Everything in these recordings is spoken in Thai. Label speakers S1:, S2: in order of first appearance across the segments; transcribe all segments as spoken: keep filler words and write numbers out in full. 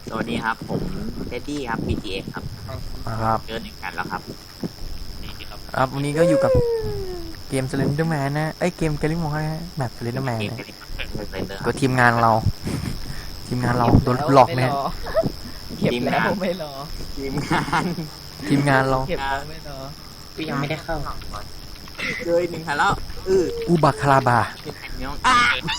S1: สวัสดีครับผมเท็ดดี้ครับ พี จี เอ็กซ์ ครับ
S2: นะครับ
S1: เจอหนึ่งกันแล้วครับนี่ครับ
S2: ครับวันนี้ก็อยู่กับเกม Slenderman นะเอ้ยเกม Gallimore นะแบบ Slenderman
S1: เกม
S2: นะ
S1: เป็นเป็นเดอร์ค
S2: ตั
S1: รั
S2: ว
S1: บ
S2: ทีมงานเรา ทีมงานเราโดนหลอกเนี่ย
S3: เก็บแล้วไม่รอ
S1: ทีมงาน
S2: ทีมงานเรา
S3: เก็บแล้วไม่รอ
S4: กูยังไม่ได้เข้า
S1: เจอหนึ่งกันแล้วอือ
S2: อุบักคาราบา
S1: เป็นแผ่นน้องอ่ะ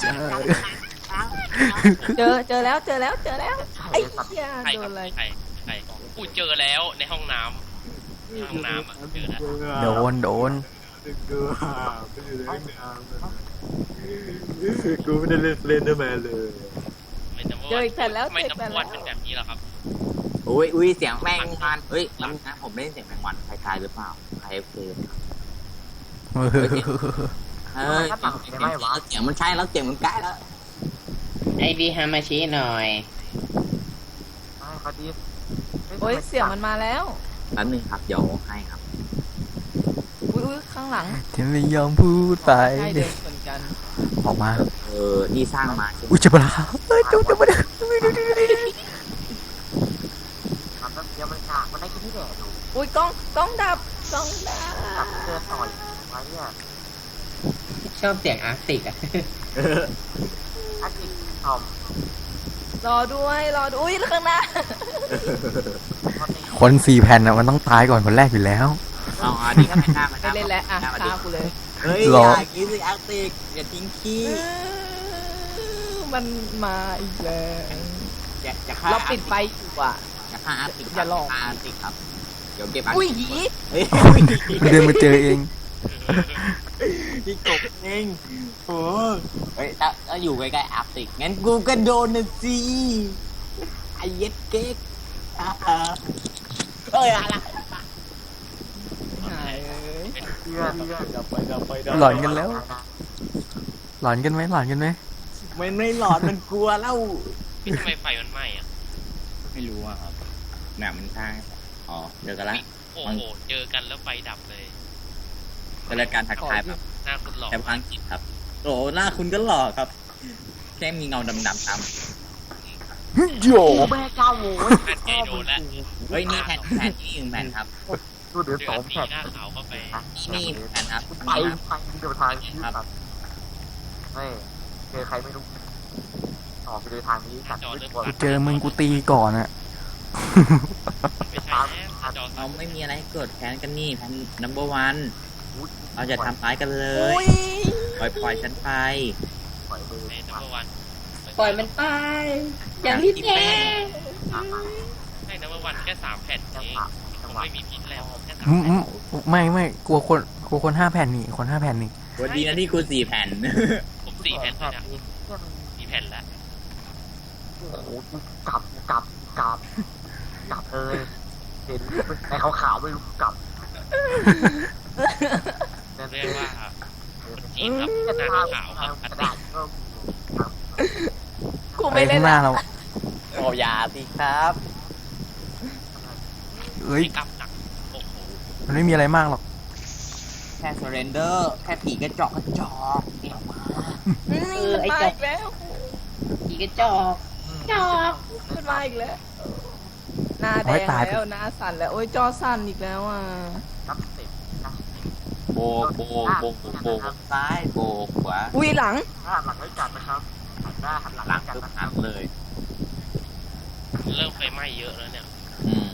S3: เจอเจอแล้วเจอแล้วเจอแล้วไอ้เหี้ย
S5: ใคร
S3: โด
S5: ครั
S3: น
S5: บ
S3: อะไร
S5: ใครใครกูเจอแล้วในห้องน้ำในห้องน้ำอ่ะเจอแล้ว
S2: โดนโดน
S1: กูไม่ได้เล่นเล่นเดอร์แมนเลย
S5: ไม่จำว่า
S3: เจออีกแผ่นแล้ว
S5: ไม่
S3: เจออีกแผ่น
S5: จำว่า
S3: แล้ว
S5: เป็นแบบนี้หรอครับ
S1: อุ้ยอุ้ยเสียงแมงวันเฮ้ยแล้วนะผมได้ยินเสียงแมงวันใครทายหรือเปล่าใครเพลงเฮ้ยเสียงมันใช่แล้วเสียงมันใกล้แล้ว
S4: ไอดีฮามาชิหน่อย
S3: โอ้ยเสียงมันมาแล้ว
S1: แป๊บนึงครับเดี๋ยวให้ครับ
S3: อุ้ยอุ้ยข้างหลัง
S2: ที่ไม่ยอมพูดไป
S3: ใช่เดินเหมือนกัน
S2: ออกมา
S1: เออนี่สร้างมาใช่ไหม
S2: อุ้ยเจ็บปะล่ะเฮ้ยจุ๊บจุ๊บมาดิ
S3: อุ้ยกล้องกล้องดับกล้องดับ
S4: ชอบเสียงอาร์ติกอะ
S3: รอด้วยรอด้วยอุ้ยข้างหน้า
S2: คนสี่แผ่นอ่ะมันต้องตายก่อนคนแรกอยู่แล้ว
S1: เอาอันนี้ก็ไม่น่ามา
S3: ไปเล่นแล้วอ่ะฆ่ากูเลย
S1: เฮ้ย
S2: ร
S1: อ
S2: อ
S1: ย่ากินสิอาร์ติกอย่าทิ้งขี้
S3: มันมาอีกแล้ว
S1: อย่าอย่าฆ่า
S3: เราปิดไฟอยู่อ่ะ
S1: อย่าฆ่าอาร์ติก
S3: อย่าหลอก
S1: ฆ่าอาร์ติกครับเดี๋ยวเก็บอาร์
S3: อุ้ย
S1: ติก
S3: หี
S1: เฮ้ย
S2: เดินมาเจอเอง
S1: ที่กบเองโอ้เฮ้ยถ้าถ้าอยู่ใกล้ๆอาร์ติกงั้นกูก็โดนนะสิไอเย็ดเก๊กเอ้ยอะไร
S3: หายเอ้ย
S2: หลอนกันแล้ว หลอนกันไหมหลอนกันไหม
S1: มันไม่หลอนมันกลัวแล้ว
S5: พี่ทำไมไฟมันไหม้อ่ะ
S1: ไม่รู้อ่ะครับหนามันทางอ๋อเจอกันละ
S5: โอ้โหเจอกันแล้วไฟดับเลย
S1: เป็นรายการทักทายแบบ
S5: หน้าคุณหลอก
S1: แต่ภาษาอังกฤษครับโอ้หน้าคุณก็หล่อครับแค่มีเงาดำๆตาม
S2: โย
S4: แม่เก้าโม
S5: แผ่นใหญ่โดนแล้ว
S1: เฮ้ยนี่แผ่นแผ่นนี่หนึ่งแผ่นครับ
S4: ดูเดือด
S5: เจ
S4: ส
S5: อ
S4: อง
S5: สี
S4: แผ่น
S5: หน้าขาวเข้าไป
S1: นี่แผ่นครับ
S4: ไปทางเดียวทางนี้ครับไม่เจอใครไม่รู้ออกไปเลยทางนี้ตัดไม่ควร
S2: กูเจอมึงกูตีก่อนอะ
S5: ไม่ใช่แล้วจอ
S1: เราไม่มีอะไรให้เกิดแค้นกันนี่แผ่น number one เราจะทำร้ายกันเล
S3: อุ้
S1: ย
S3: ย
S1: ปล่อยปล่อยฉันไป
S4: ปล่อยมือ
S5: ในนัมเบอร์วัน
S4: ปล่อยมันไปอย่างที่แก
S5: ให้นัมเบอร์วันแค่สามแผ่นเองคงไม่มีพิษแล้วแค่สาม
S2: อืม
S5: แผ่
S2: อื
S5: น
S2: มไม่ไม่กลัวคนกลัวคนห้าแผ่นนี่คนห้าแผ่นนี่
S1: วันดีนะที่กูสี่แผ่น
S5: ผมสี่แผ่นแล้วเนี่ยสี่แผ่นแล้ว
S4: โอ้โหกลับกลับกลับกลับเลยเห็นไอ้ขาวขาวไม่รู้กลับ
S5: เรียกว่าทีมครับหน้าขาวครับอัตติ
S3: กู
S2: ไป
S3: ไม่เล่
S2: ข้าน งหน้า
S3: ละ
S2: เรา
S1: โอ้ยาสิครับ
S2: เอ้ย
S5: ไม่กลับหนักโอ้โห
S2: มันไม่มีอะไรมากหรอก
S1: แค่ surrender แค่ผีกระจอกกระจอกเดี๋ยวมา
S3: อืมมันมาอีกแล้ว
S4: ผีกระจอกจอก
S3: มันมาอีกแล้วหน้าแดงแล้วหน้าสั่นแล้วโอ้ยจอสั่นอีกแล้วอ่ะ
S4: นับเสร็จนะ
S1: โบกโบกโบกโบกซ้ายโบกขวา
S3: อุ้ยหลัง
S4: หน้าหลังไว้จัดนะครับหันหน้าหันหลัง
S1: หลัง
S4: กัน
S1: ทุก
S4: นะค
S1: หั
S4: รับ
S1: กเลย
S5: เริ่มไฟไหม้เยอะแล้วเนี่ย
S1: อืม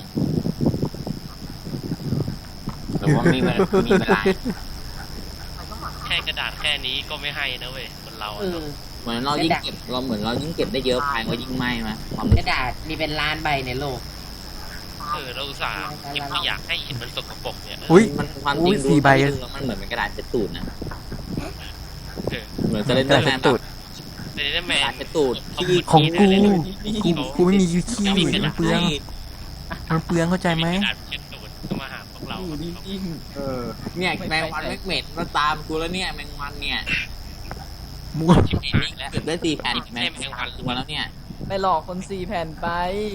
S1: หรือว่ามีเวลามีเวลา
S5: แค่กระดาษแค่นี้ก็ไม่ให้นะเว้ยคนเรา
S4: เอ
S5: อะ
S4: อ
S1: เหมือนเรายิ่งเก็บเราเหมือนเรายิ่งเก็บได้เยอะไฟก็ยิ่งไหม้มาความ
S4: กระดาษมีเป็นล้านใบในโลก
S5: เออเราอุตส่าห์เก็บไม่อยากให้เห็นมันสกปรกเนี่ย
S2: อุ้ย
S1: มันความจ
S2: อุ้
S1: ริ
S2: ย
S1: งดู
S2: สี่ใบ
S1: มันเหมือนเป็นกระดาษเช็ดตูดนะ
S5: เออ
S1: เหมือนจะเล่นเรื่องแมน
S2: ตูด
S5: แต่เนี่ยแม
S1: กระดาน ษเช็ดตูดที่
S2: ของกู
S5: กู
S2: กูกูไม่มียูขี้มันเปลืองมันเปลืองเข้าใจไหม
S5: กระดาษเช็ดตูดก็มาหาพวกเรา
S1: เออเนี่ยแมงวันแมกเม็ดมาตามกูแล้วเนี่ยแมงวันเนี่ย
S2: มั่ว
S5: ชิบหายแล้ว
S1: เก็บได้สี่แผ่นแมงวันตัวแล้วเนี่ย
S3: ไปหลอกคนสี่แผ่นไป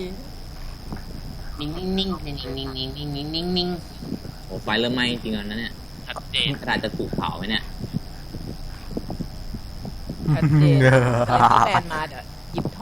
S4: นิ่งนิ่งนิ่งนิ่งนิ่งนิ่งนิ่งนิ่งนิ่งนิ่ง
S1: โอ้ไฟเริ่มไหม้จริงๆแล้วนะเนี่ย
S5: ชัดเจน
S1: กระดาษจะถูกเผาไหมเนี่ย
S3: ชัดเจนอะไรที่แลนมาเดี๋ยวหยิบถ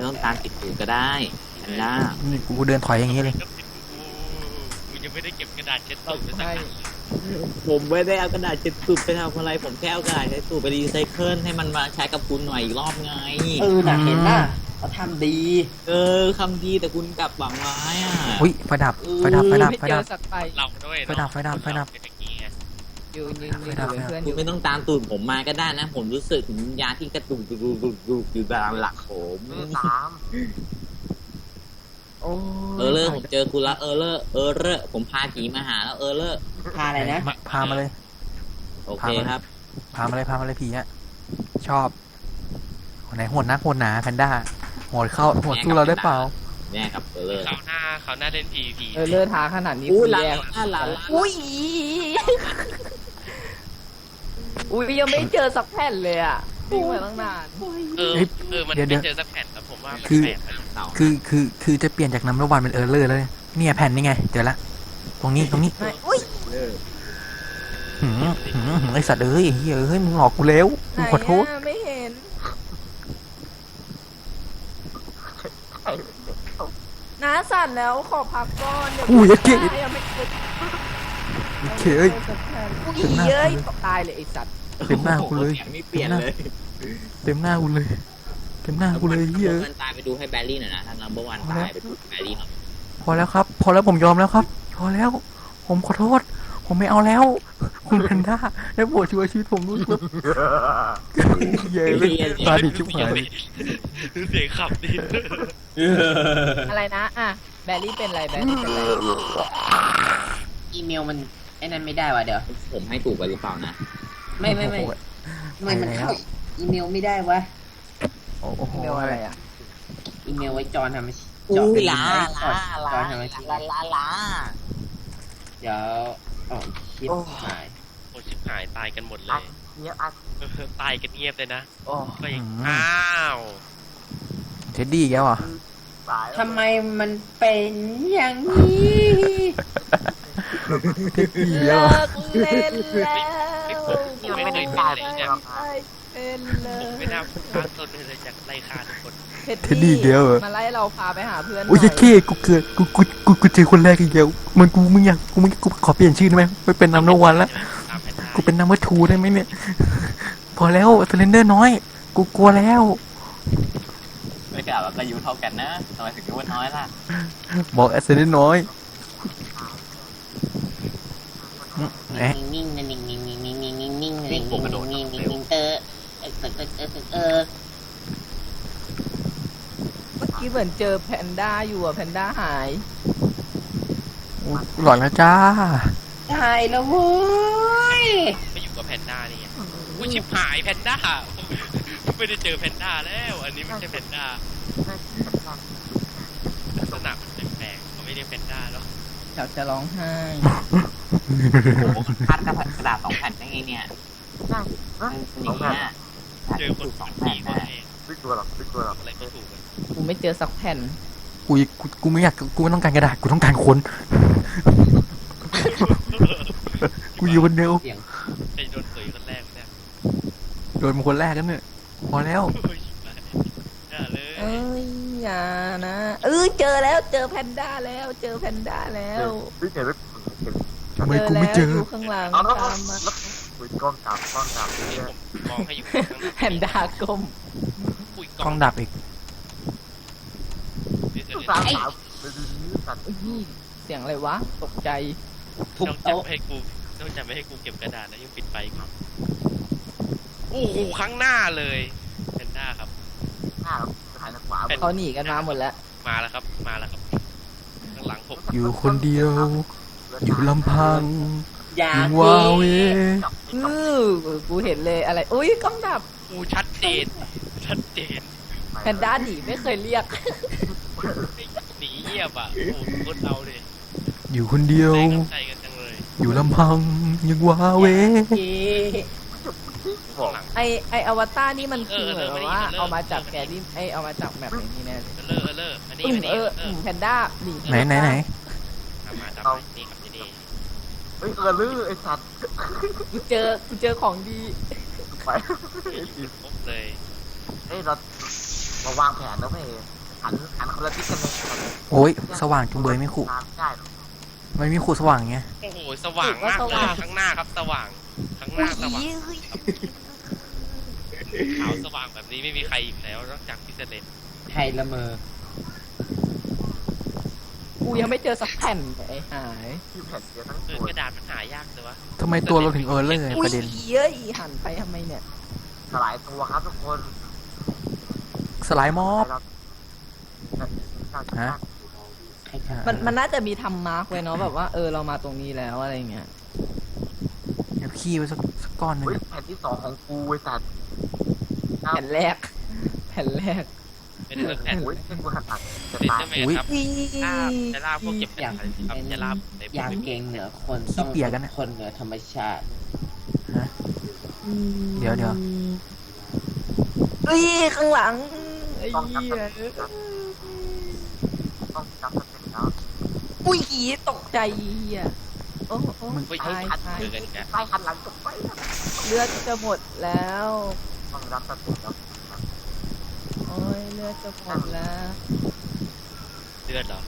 S1: ไม่ต้องตามติดตูดก็ได้แพนด้า
S2: นี่กูเดินถอยอย่างงี้เลย
S5: กูยังไม่ได้เก็บกระดาษเช็ดตูดไปสัก
S3: ใช่
S5: อันเลย
S1: ผมไม่ได้เอากระดาษเช็ดตูดไปทำอะไรผมแค่เอากระดาษเช็ดตูดไปรีไซเคิลให้มันมาใช้กับคุณหน่อยอีกรอบไง
S6: เออน่ะเห็นน่ะเขาทำดี
S1: เออคำดีแต่คุณกลับหวังร้ายอ่ะ
S2: อุ้ยไฟดับไฟดับไฟดับ
S3: ไม่
S2: ไฟ
S3: เจ
S2: ดั
S3: อบ สักไป
S5: เราด้วยเนอะ
S2: ไฟดับไฟดับไฟดับ
S5: เป็นอย่างงี้ไง
S3: ยืนยืนยืนอยู่เป็นเพื่อนอ
S1: คุณ
S3: ยู่
S1: ไม่ต้องตามตูดผมมาก็ได้นะ ผมรู้สึกถึงวิญญาณที่กระตุกตุกตุกตุกตุกอยู่ตามหลักผม
S4: ไม่ตาม
S3: โอ้
S1: เออเลอร์ผมเจอคุณแล้วเออเลอร์เออเลอร์ผมพาผีมาหาแล้วเออเลอร์
S6: พาอะไรนะ
S2: มาพามาเลย
S1: โอเคครับ
S2: พามาเลยพามาเลยผีอะชอบคนไหนโหดนักโหดหนาแพนด้าโหดเข้าโหดสู้เราได้เปล่า
S1: แน่ครับเออเลอร์
S5: เขาหน้าเขาหน้าเล่น พี พี
S3: เออเลือดท้าขนาดนี้
S1: อู้
S3: คุณ
S1: หลา
S3: แย่
S1: หลาหลา
S3: อุ้ยอุ้ยยังไม่เจอสักแผ่นเลยอ่ะวิ่งมาตั้งนาน
S5: เออ
S2: เอ้ย
S5: เออ มัน
S2: เดี๋ยว
S5: ไม่
S2: เดี๋ยว
S5: เจอสักแผ่นแล้วผมว่ามัน
S2: คือ
S5: แปลกไป
S1: เต่า
S2: คือคือคือจะเปลี่ยนจากน้ำระวันเป็นเออร์เลอร์แล้วเนี่ยเนี่ยแผ่นนี่ไงเจอละตรงนี้ตรงนี้
S3: ไม่อุ้ย
S1: เออ
S2: หืมหืมหืมไอสัตว์เอ้ยเฮ้ยเฮ้ยมึงหลอกกูแล้ว
S3: ไหน
S2: กูขอโทษ
S3: อะไม่เห็นน้าสั่นแล้วขอพักก่อนเดี๋ยว
S2: อุ้ยไอ้เก๋
S3: น้ายังไม่เจอ
S2: โอเคเอ้ย
S3: อุ้ยเย้ยตายเลยไอ้สัตว์
S2: เต็มหน้ากูเลย
S1: แขนไม่เปลี่ยนเลย
S2: เต็มหน้ากูเลยเต็มหน้ากูเลยเฮ้ย
S1: นัมเบอร์วันตายไปดูให้แบลลี่หน่อยนะถ้านัมเบอร์วันตายไปดูแบลลี่หน่อย
S2: พอแล้วครับ พอแล้วผมยอมแล้วครับ พอแล้ว ผมขอโทษ ผมไม่เอาแล้ว คุณแพนด้าได้โปรดช่วยชีวิตผมด้วยครับเย้เลยตาดิบชิบหายเลย
S5: เสียงขับดิ
S3: อะไรนะอ่ะแบลลี่เป็นอะไรแบลลี่เป็นอะไร
S6: อีเมลมันไอ้นั่นไม่ได้ว่ะเดี๋ยว
S1: ผมให้ถูกไปหรือเปล่านะ
S6: ไม่ไม่ไม่ทำไมมันเข้าอีเมลไม่ได้วะ
S2: โอ้โห
S3: เรียกว่าอะไรอ่ะ
S6: อีเมลไว้จอนทำมา
S1: อู้
S6: เจาะ
S1: ลา
S6: จอ
S1: ลาน ลา
S6: จอนทำมา
S1: ลาลาลา
S6: เดี๋ยวอ๋อคิดหาย
S5: โอ้ชิบหายตายกันหมดเล
S4: อั
S5: ย
S4: ดเนี้ยอัด
S5: เออตายกันเงียบเลยนะ
S6: โอ้
S5: ก็ยังอ้าว
S2: เท็ดดี้แกวอ่ะ
S4: สาย
S6: ทำไมมันเป็นอย่างนี้
S2: เท็ดดี้แก
S3: เลิ
S2: วอ่ะ
S3: กเล่นแล้ว
S5: ผมไม่เคยเป็นเลยเนี่ย
S3: เป็นเล
S5: ผม
S3: ย
S5: ไม่น่าพลาดต้นเลยจากไล่ฆ่าทุกคน
S3: เท็ดดี้มาไล่เราพาไปหาเพื่อนหน่
S2: โอ้ย
S3: อย
S2: เค้กูเกิดกูกูกูกูเจอคนแรกอีกแล้วมันกูมึงอยากกูมึงกูขอเปลี่ยนชื่อได้ไหมไม่เป็นนัมเบอร์วันแล้ว
S5: ตามแผนได้
S2: กูเป็นนัมเบอร์ทูได้ไหมเนี่ย พอแล้วสเลนเดอร์น้อย กูกลัวแล้ว
S1: ไม่กล่าวว่าอายุเท่ากันนะทำไมถึงรู้ว่าน้อยล่ะ
S2: บอกแอสเซนน้อยเอ๊ะ
S6: นิ่งๆนะนิ่งๆนิ่งๆนิ่งๆนิ่งๆนิ่งๆนิ่งๆนิ่งๆนิ่งๆนิ่งๆนิ่งๆเออเออเออเออเออเออ
S3: เมื่อกี้เหมือนเจอแพนด้าอยู่อ่ะแพนด้าหาย
S2: หลอนแล้วจ้า
S6: ตายแล้วเว้ย
S5: ไม่อยู่กับแพนด้านี่ไงกูชิบหายแพนด้าไม่ได้เจอแพนด้าแล้ว อันนี้ไม่ใช่แพนด้าลักษณะมันแปลกๆเขาไม่เรียกแพนด้าแล้ว
S3: อยากจะร้องไห้
S1: โอ้โหพัดกระดาษสองแผ่นได้ไงเนี่ย
S4: ใช่ฮะ
S1: มันอย่างเงี้ย
S5: เจอคน
S1: ส
S5: ฝั
S1: อง
S5: น
S1: แผ่
S5: ดี
S1: น
S5: คน
S1: นะ
S5: เอง
S4: ไม่กลัวหรอกไม่กลัวหรอก
S5: อะไรก็ถูกกัน
S3: กูไม่เจอสักแผ่น
S2: กูกูกูไม่อยากกูไม่ต้องการกระดาษกูต้องการคน กูอยู่คนเดียว
S6: เสียง
S5: ใครโดนตุ๋ยคนแรกเนี่ย
S2: โดนเป็นคนแรกกันเนี่ยพอแล้ว
S5: โอ้ยชิบหายอย่าเลย
S3: เอ้ยอย่านะเออเจอแล้วเจอแพนด้าแล้วเจอแพนด้าแล้ว
S4: ไม่เห็นไม่เห็น
S2: ทำไมกูไม่เจอ
S3: อยู่ข้างหลัง
S4: เอาแล้ว
S3: ตามมา
S4: แล้วคุยกล้องจับกล้องจับเนี่ย
S5: ผมมองให้อยู่ข้างหน้า
S3: แพนด้าก้ม
S5: อุ้ย
S2: กล้องดับอีก
S5: เดี๋ยวเดี๋ยว
S4: สาม
S5: เดี๋ยว
S4: สามไปดูนี้กัน
S3: อุ้ยเสียงอะไรวะตกใจ
S6: ทุบ
S5: ต้อง
S6: โต๊ะ
S5: จำให้กูต้องจำไม่ให้กูเก็บกระดาษแล้วยังปิดไฟอีกโอ้โหข้างหน้าเลยแพนด้าครับ
S4: หน้าถ่ายทางขวา
S3: เขาหนีกันมาหมดแล้ว
S5: มาแล้วครับมาแล้วครับข้างหลังผม
S2: อยู่คนเดียว อยู่ลำพัง
S6: อย่า
S2: ยัง
S6: เก
S2: ว้าเว
S3: อือกูเห็นเลยอะไรอุ้ยกล้องดับ
S5: กูชัดเจนชัดเจน
S3: แพนด้าหนีไม่เคยเรียก
S5: หนีเงียบอ่ะโอ้โหคนเราเลย
S2: อยู่คนเดียว
S5: แรงน้ำใจกันจังเลย
S2: อยู่ลำพังยังว้าเว
S6: เก
S4: บอก
S5: หลัง
S3: ไอไออวตารนี่มันคือ
S5: เออ
S3: เหมือน
S5: เออ
S3: ว่า
S5: เออ
S3: เอามาจากแกรี่ไอเอามาจากแมปอย่างนี้แน่เลย
S5: เออเลอร์เออเลอร์อันนี้
S3: อืม
S5: อันนี้
S3: เออ
S5: เอ
S3: อื
S5: อ
S3: มแพนด้าหนี
S2: ไหนไหนไหน
S5: ตามมาตามมานี่ครับที่นี่
S4: เฮ้ยเออลือไอ้สัตว์
S3: กูเจอกูเจอของดี
S4: ไป
S5: ครบเลย
S4: เฮ้ยเรามาวางแผนแล้วเว้ยหันหันคนละทิศกันเลย
S2: โอ้ยสว่างจุงเบยไม่ขู่
S4: ตามได้หรอก
S2: มันมีขู่สว่างไง
S5: โอ้โหสว่างมากเลยข้างหน้าครับสว่างข้างหน้าสว่างขาวสว่างแบบนี้ไม่มีใครอีกแล้วนอกจากพิเศษ
S6: ใครละเมอ
S3: กูยังไม่เจอสักแผ่นไอ้หาย
S4: ที่แผ่นเดียวทั้ง
S5: เอ
S4: ตั
S5: อ
S4: ว
S5: กระดาษมันหายากเลยวะ
S2: ทำไมตัวเราถึงเออเลย
S3: อุ้
S2: ป
S3: ย
S2: ระเด็น
S3: เอ้ยหันไปทำไมเนี่ย
S4: สลายตัวครับทุกคน
S2: สไลด์มอบ ฮะ
S6: ใครทำ
S3: มันมันน่าจะมีทำมาร์กไว้เนาะแบบว่าเออเรามาตรงนี้แล้วอะไรเงี้ย
S2: เดี๋ยวขี้ไว้สักสักก้อนหนึ่ง
S4: เฮ้ยแผ่นที่สองของกูไอ้สัตว์
S3: แผ่นแรก แผ่นแรก
S5: เป็นเรื่องแผ่น
S4: โอ้ยเส้นกูหันหลังจะ
S5: เป็น
S4: ตาย
S5: ใช่ไหมครับลาบจะลาบพวกเก็บแผ่นครับจะลาบใน
S6: อยากเก่งเหนือคนต้องเป็นคนเหนือธรรมชาติ
S2: เดี๋ยวเดี๋ยว
S3: เอ้ยข้างหลังไอ้
S4: ต้อง
S3: เหี้ย
S4: จำสเต็ปต้องจำสเต็ปแล้ว
S3: อุ้ยผีตกใจเหี้ยโอ้โอ้
S5: ไม่
S3: ตาย
S5: ทัน
S3: ตาย
S5: เจอกันแก
S4: ใต้หันหลังจบไป
S3: เลือดจะหมดแล้ว
S4: ต้องรับสเต็ปแล้ว
S3: โอ้ยเลือดจะหมดแล้ว
S5: เลือดเหรอ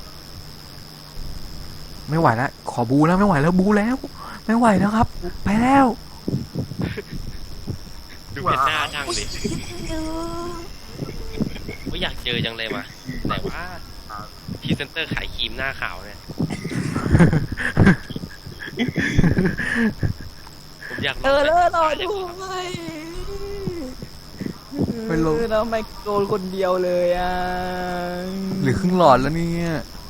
S2: ไม่ไหวแล้วขอบูแล้วไม่ไหวแล้วบูแล้ว ไม่ไหวแล้วครับ ไปแล้ว
S5: ดูเป็นหน้านั่งดิว่าอยากเจอจังเลยมาแต่ว่าพรีเซนเตอร์ขายครีมหน้าขาวเนี่ยผมอยาก
S3: เออเลือดรอดูไ
S2: ไม่ลง
S3: แล้วไม่โดนคนเดียวเลยอ่ะ
S2: หรือครึ่งหลอดแล้วเนี่ย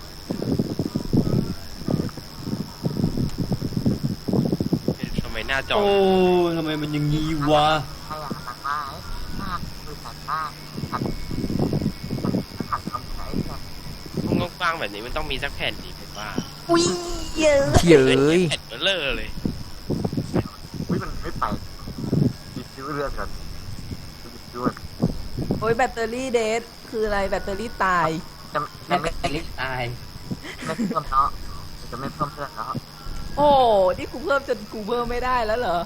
S5: ทำไมหน้าจอ
S6: โอ้ทำไมมันอย่างงี้วะ
S4: ให้หันหลังมาหน้าคือหันหน้าหันหันทำไหนกัน
S5: ห้องกว้างๆแบบนี้มันต้องมีสักแผ่นดีผมว่า
S3: อุ้ยเยอะ
S2: เที่ยเอ้ย
S5: แผ่นเบลเลอร์เลย
S4: อุ้ยมันไม่ไปหยิบชื่อเรื่องกันหยิบด้วย
S3: โอ้ยแบตเตอรี่เดทคืออะไรแบตเตอรี่ตาย
S4: จะ
S6: แล้
S4: จะ
S6: ว
S4: ไม่
S6: ก็ลิตาย
S4: ไม่เพิ่มเนาะจะไม่เพิ่มเพื่อนแล้ว
S3: โอ้นี่กูเพิ่มจนกูเพิ่มไม่ได้แล้วเหรอ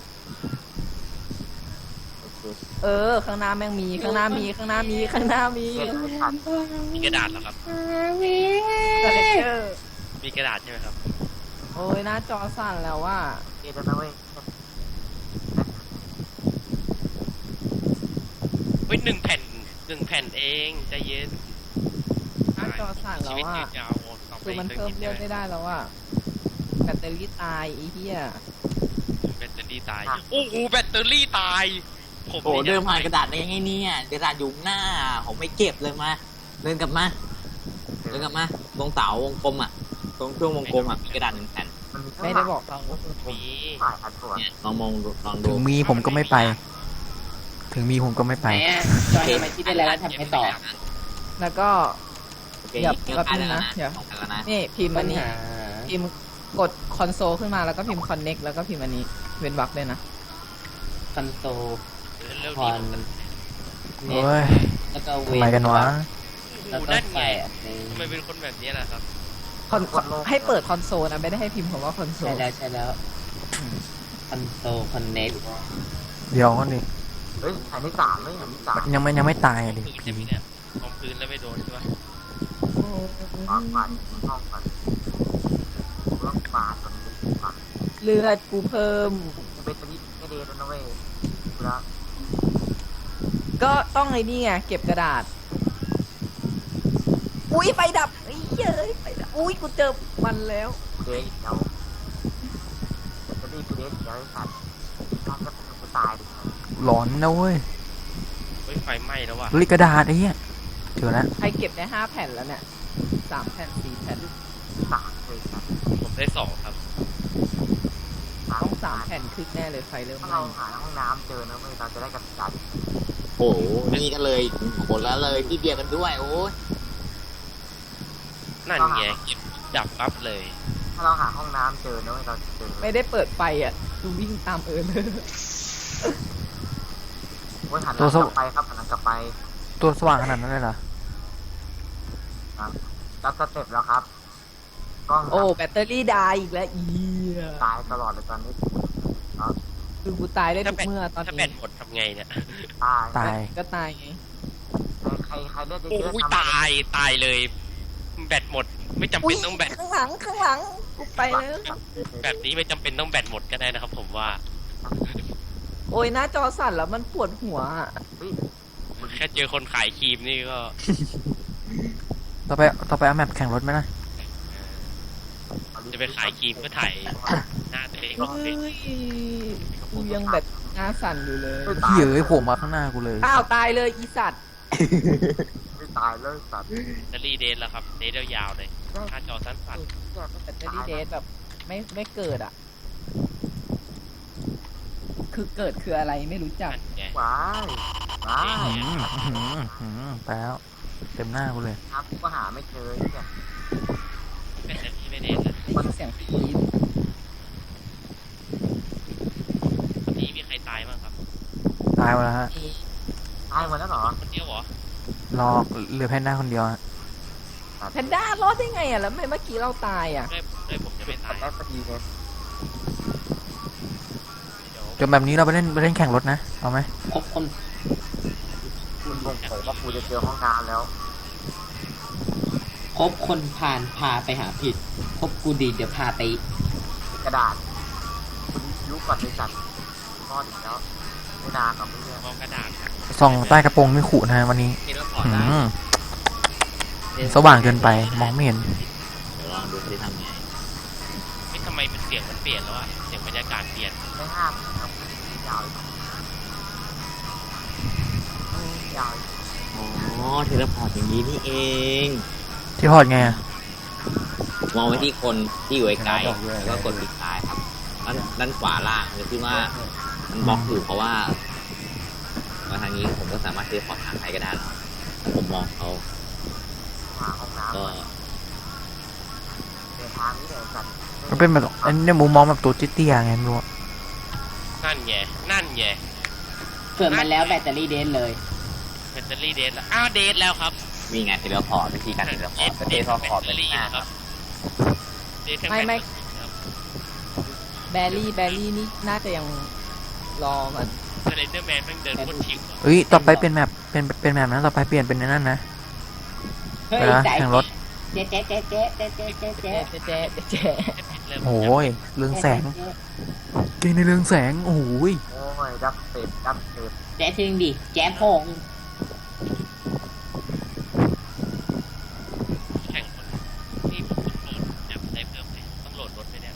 S3: เออ ข้างหน้าแม่งมี ข้างหน้ามี ข้างหน้ามี ข้างหน้ามี
S4: เกมไม่ทัน
S5: มีกระดาษเหรอครับ
S3: สเลเจอร์
S5: มีกระดาษใช่ไหมครับ
S3: โอ้ยหน้าจอสั่นแล้วว่า
S4: เกมนะเว้ย
S5: เฮ้ยหนึ่งแผ่นหนึ่งแผ่นเองใจเย็น
S3: หน้าจอสั่น
S5: ชี
S3: แล้ว
S5: วิต
S3: ว่า
S5: ยืนยาวต่อไป
S3: คือมันเพิ่มเลือดไม่ได้แล้วว่าแบตเตอรี่ตายไอ้เหี้ย
S5: แบตเตอรี่ตายโอ้โหแบตเตอรี่ตายผม
S1: โอ้เดินผ่านกระดาษได้ยังไงเนี่ยกระดาษอยู่หน้าผมไม่เก็บเลยมาเดินกลับมาเดินกลับมาตรงเสาวงกลมอ่ะตรงช่วงวงกลมอ่ะมีกระดาษหนึ่งแผ่น
S4: มันมี
S3: ไม่ได้บอกเรา
S5: มี
S4: ฝ่ายอันตัว
S1: เนี่ยลองมองดูลอง
S2: ถึ
S1: ดู
S2: งมีผมก็ไม่ไป ถึงมีผมก็ไม่ไป
S6: ไหนอ่ะจอยทำไมที่ได้แล้วทำให้ต่อ
S3: แล้วก็
S1: โอเค
S3: อย่า
S1: เกี่ยว
S3: แป๊บ
S1: กัน
S3: นึง
S1: แล้ว
S3: นะ
S1: นะ
S3: เดี๋ยว
S1: สองกันแล้วนะ
S3: นี่พิมพ์
S6: ปั
S3: อั
S6: ญ
S3: นนี้
S6: หา
S3: พิมพ์กดคอนโซลขึ้นมาแล้วก็พิมพ์ connect แล้วก็พิมพ์อันนี้เว้นวรรคด้วยนะ
S6: คอนโซล
S5: เร็ว
S6: ค
S5: ดี
S6: อนเน็ต
S2: โอ้ย
S6: แล้วก็
S2: ทำ
S6: เว้
S2: ไมกันวะ
S6: แล้วก็
S5: นั่นไง
S6: ใส่อันนี้
S5: ทำไมเป็นคนแบบนี้ล่ะครับ
S3: คอนให้เปิดคอนโซลนะไม่ได้ให้พิมพ์คำว่าคอนโซ
S6: ใช่
S3: ล
S6: แล้วใช่แล้วคอนโซลคอนเน็ต
S2: เดี๋ยวก่อนดิ
S4: เฮ้ยอันนี้สามไม่อันนี้สาม
S2: ยังไม่ยังไม่ตายอะดิ
S5: พื้นใช่ไหมเนี่ยลงพื้นแล้วไม่โดนใช่ปะ
S4: ห้องฝ่ายห้องฝ่ายต้องมาตรงนี้มา
S3: เลือดกูเพิ่ม
S4: เบตเตอรี่ไม่เดนนะเว้ยแล้ว
S3: ก็ต้องไอ้นี่ไงเก็บกระดาษ อุ้ยไฟดับไอ้เหี้ยเอ้ยไฟดับอุ้ยกูเจอมันแล้ว
S4: เดนเดียวเบตเตอรี่กูเดนเดียวไอ้สัตว์น่าจะเป็นกูตายดิ
S2: หลอนนะเว้ย
S5: เฮ้ยไฟไหม้แล้วว่ะ
S2: ลิกระดาษไอ้เหี้ยเจอแล้ว
S3: ใครเก็บได้ห้าแผ่นแล้วเนี่ยสามแผ่นสี่แผ่น
S4: สามเลยสัตว์
S5: ผมได้สองครับ
S3: ต้องสามแผ่นขึ้นแน่เลยไฟเริ่ม
S4: ถ้า
S3: ไหม้
S4: เราหาห้องน้ำเจอนะเว้ยเราจะได้กันจัด
S1: โอ้โหนี่กันเลยหมดแล้วเลยที่เดียวกันด้วยโอ้ย
S5: นั่นไงเก็บดับปั๊บเลย
S4: ถ้าเราหาห้องน้ำเจอนะเว้ยเราจะเจอ
S3: ไม่ได้เปิดไฟอ่ะดูวิ่งตามเออเลย
S4: เว้ยหันหลังกลับไปครับหันหลังกลับไป
S2: ตัวสว่างขนาดนั้นเลยเหรอ
S4: จับสเต็ปแล้วครับกล้อง
S3: โอ้แบตเตอรี่ดายอีกแล้วอีย
S4: ตายตลอดเลยตอนนี้
S3: คือกูตายได้
S5: ถ้า
S3: ทุก
S5: แผ่น
S3: เมื่อตอน
S5: ถ้าแผ่
S3: นี้
S5: นหมดทำไงเนี่ย
S4: ตาย
S2: ตาย
S3: ก็ตายไง
S4: ใครใครเลือด
S5: โอ้
S4: เยอะ
S5: ย
S4: ๆทำ
S5: ตายตายเลย แบตหมด ไม่จำ
S3: อุ้
S5: เป็
S3: ย
S5: นต้องแบต
S3: ข้างหลังข้างหลังกูไปแล้ว
S5: แบบนี้ไม่จำเป็นต้องแบตหมดก็ได้นะครับ ผมว่า
S3: โอ้ยหน้าจอสั่นแล้วมันปวดหัวอะ
S5: แค่เจอคนขายครีมนี่ก็
S2: ต่อไปต่อไปเอาแมปแข่งรถไหมนะ
S5: จะไปขายครีมก็ถ่ายหน้าตัวเอง
S3: เฮ้ยกูยังแบบหน้าสั่นอยู่เลย
S2: เหี้ยเอ้ยโผล่มาข้างหน้ากูเลย
S3: อ้าวตายเลยอีสัตว์
S4: ไม่ตายเลยสัตว์
S5: แบตเตอรี่เดนแล้วครับเดนยาวๆเลยหน้าจอสั้น
S3: แบตเตอรี่เดทแบบไม่ไม่เกิดอ่ะ คือเกิดคืออะไรไม่รู้
S5: ๆ
S3: จัก
S5: นั่นไง
S4: ว้ายว้าย
S2: อืมอื้อหืออื้อหือไปแล้วเต็มหน้ากูเลย
S4: ครับกูก็หาไม่เจอเนี่ย
S5: แบตเตอรี่ไม่เดนนะ
S3: ฟังเสียงกรี๊ด
S5: นี่มีใครตายบ้างครับ
S2: ตายหมดแล้วฮะ
S4: ตายหมดแล้วเหรอ
S5: คนเดียวเหรอ
S2: รอเหลือแพนด้าคนเดียวฮะ
S3: แพนด้ารอดได้ไงอ่ะแล้วทำไมเมื่อกี้เราตายอ่ะ
S5: ด้วยด้วยผมจะไม่ตาย
S4: แรกพอดีเลย
S5: เดี๋ยว
S2: จนแบบนี้เราไปเล่นไปเล่นแข่งรถนะเอาไหม
S6: ครบคน
S4: คุณคงเผยว่ากูจะเจอห้องน้ำแล้ว
S6: ครบคนผ่านพาไปหาผิดครบกูดีเดี๋ยวพาไป
S4: กระดาษคุณยุก่อนเลยสัตว์รอดอีกแล้วไม่นานหรอกเพื่อน
S5: มองกระดาษนะ
S2: ส่องใต้กระโปรงไม่ขู่นะฮะวันนี้
S1: คิดว่าพอ
S2: อื
S1: ได้
S2: มสว่างเกินไปมองไม่เห็น
S1: เดี๋ยวลองดูสิทำไง
S5: ไม่ทำไมมันเสียงมันเปลี่ยนแล้วอะเสียงบรรยากาศเปลี่ยน
S4: ไม่ห้ามครับยาวอีกยาวอีก
S1: อ๋อเทเลพอร์ตอย่างนี้นี่เอง
S2: ที่พอดไงอะ
S1: มองไปที่คนที่อยู่ไกลๆแล้วก็กดคลิกซ้ายครับด้านด้านขวาล่างจะขึ้นว่ามันบล็อกอยู่เพราะว่ามาทางนี้ผมก็สามารถเทเลพอร์ตทางใครก็ได้แล้วถ้าผมมองเขา
S4: หาห้องน้ำ
S1: ก็
S4: เดินทางนี้เลยสัตว์
S2: มันเป็นแบบอันนี้มุมมองแบบตัวเตี้ยๆไงไม่รู้อะ
S5: นั่นไงนั่นไง
S6: เกิดมาแล้วแบตเตอรี่เดทเลย
S5: แบตเตอรี่เดนแล้วอ้าวเดนแล้วครับ
S1: มีไงเทเลพอร์ตวิธีการเทเลพอร์ตเทเลพอร์ต
S5: แบตเต
S1: เป็
S5: อน รี่
S1: หน้า
S5: นะครับเดนแค่
S3: ไม่ไม่
S5: แบตเตอรี่ครับ
S3: แบรี่แบรี่นี่น่าจะยังรอก่อน
S5: สเลนเดอร์แมนแม่งเดินโคตรชิวอะ
S2: เอ้ยต่อไปเป็นแมปเป็นเป็นแมปนะต่อไปเปลี่ยนเป็นในนั่นนะ
S6: เฮ้ย
S2: เวลา
S6: ใจ
S2: แข่งรถ
S6: เจ๊เจ๊เจ๊เจ๊เจ๊เจ๊เจ๊เจ๊
S3: เจ๊เจ๊เจ๊เจ๊
S5: เริ่ม
S2: โอ้ยเรืองแสงเกมในเรืองแสงโอ้ย
S4: โอ้ยดับเต็มดับเต็ม
S6: แจ๊ทิ้งดิแจ๊พง
S5: แข่งคนที่ผมต้องโหลดแบบได้เพิ่มเลยต้องโหลดรถไปเนี่ย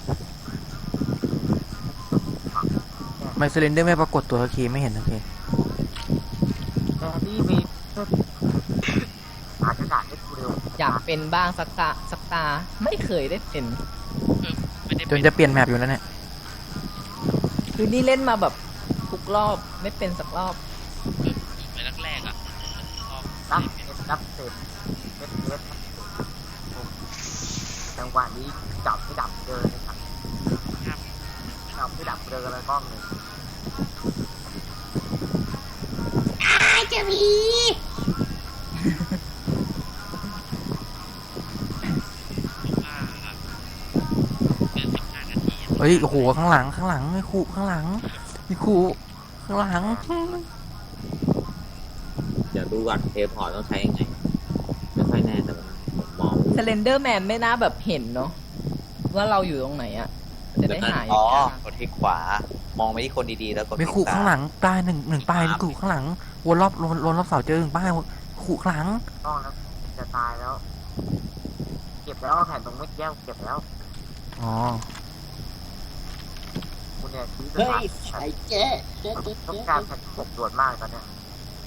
S2: ไมเซเลนเดอร์ไม่ปรากฏตัวสักทีไม่เห็นสักที
S4: แต่นี่มีหากระดาษให้กูเร็ว
S3: อยากเป็นบ้างสักตาสักตาไม่เคยได้เป็น
S5: เออไม่ได้
S2: จ
S5: เป็น
S2: นจะเปลี่ยนแมปอยู่แล้วเนี่ย
S3: คือนี่เล่นมาแบบทุกรอบไม่เป็นสักรอบ
S5: ไปแรกๆอ่ะชอบ
S4: ดับเต็มดับเต็มเม็ดเม็ดจังหวะนี้จับไม่ดับเดินเลยครับจับไม่ดับเดินอะไรบ้างเลย
S6: ไอ้เจ้าหมี
S5: ว่าเกินสิบห้านาทีอะ
S2: เฮ้ยโอ้โหข้างหลังข้างหลังไม่ขู่ข้างหลังไม่ขู่ข้างหลัง
S1: เดี๋ยวดูก่อนเทเลพอร์ตต้องใช้ยังไงไม่ค่อยแน่แต่ว่าผมมอง
S3: s เลนเดอร์แมนไม่น่าแบบเห็นเนาะว่าเราอยู่ตรงไหนอะจะได้หาย
S7: อ๋อกดที่ขวา มองไปที่คนดีๆ แล้วกด
S2: ไม่ขู่ข้างหลังตายหนึ่งหนึ่งป้ายไม่ขู่ข้างหลังวนรอบวนวนรอบเสาเจอหนึ่งป้ายขู่ข้างหลัง
S4: ต้องแล้วจะตายแล้ว เก็บแล้วแผ่นตรงเม็ดแก้วเก็บแล้ว
S2: อ๋อ
S4: คุณเนี่ยชี้
S6: เฮ้
S4: ไป
S6: ยไอ้เจ๊เจ๊เจ๊
S4: ต้อง
S6: เจ๊
S4: การแผ่นปกด่วนมากตอนเนี้ย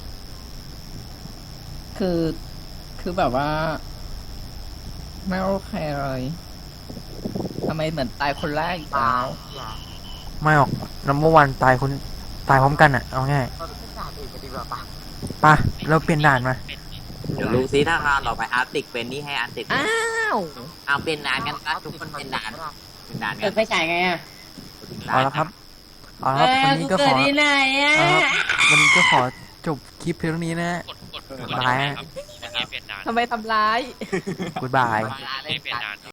S3: คือคือแบบว่า ไม่โอเคเลยทำไมเหมือนตายคนแรกอีก
S4: ตา
S3: แล้ว
S4: ยอย่า
S2: ไม่ออกนัมเบอร์วันตายคนตายพร้อมกันอ่ะเอาง่าย
S4: เราไม่ด่าอื่นกันดีกว่าปะ
S2: ปะเราเปลี่ยนด่านมา
S1: เดี๋ยวดูซิถ้าเราต่อไปอาร์ติกเป็นนี่ให้อาร์ติก
S3: อ้าว
S1: เอาเป็นด่านกันนะทุกคนเป็นด่านเป็นด่าน
S6: เกิ
S1: กั
S6: ด
S1: น
S6: ไฟฉายไงอ่ะ
S2: เอาละครับเอาละครับวันนี้ก็ขอ
S6: ไหนอ่ะ
S2: เอาละครับวันนี้ก็ขอจบคลิปเพียงเท่านี้นะ
S5: กดกดกด
S2: ตาย
S5: ครับเมื่อกี้เปลี่ยนด่าน
S3: ทำไมทำร้าย
S2: กูดบาย
S5: เมื่อกี้เปลี่ยนด่าน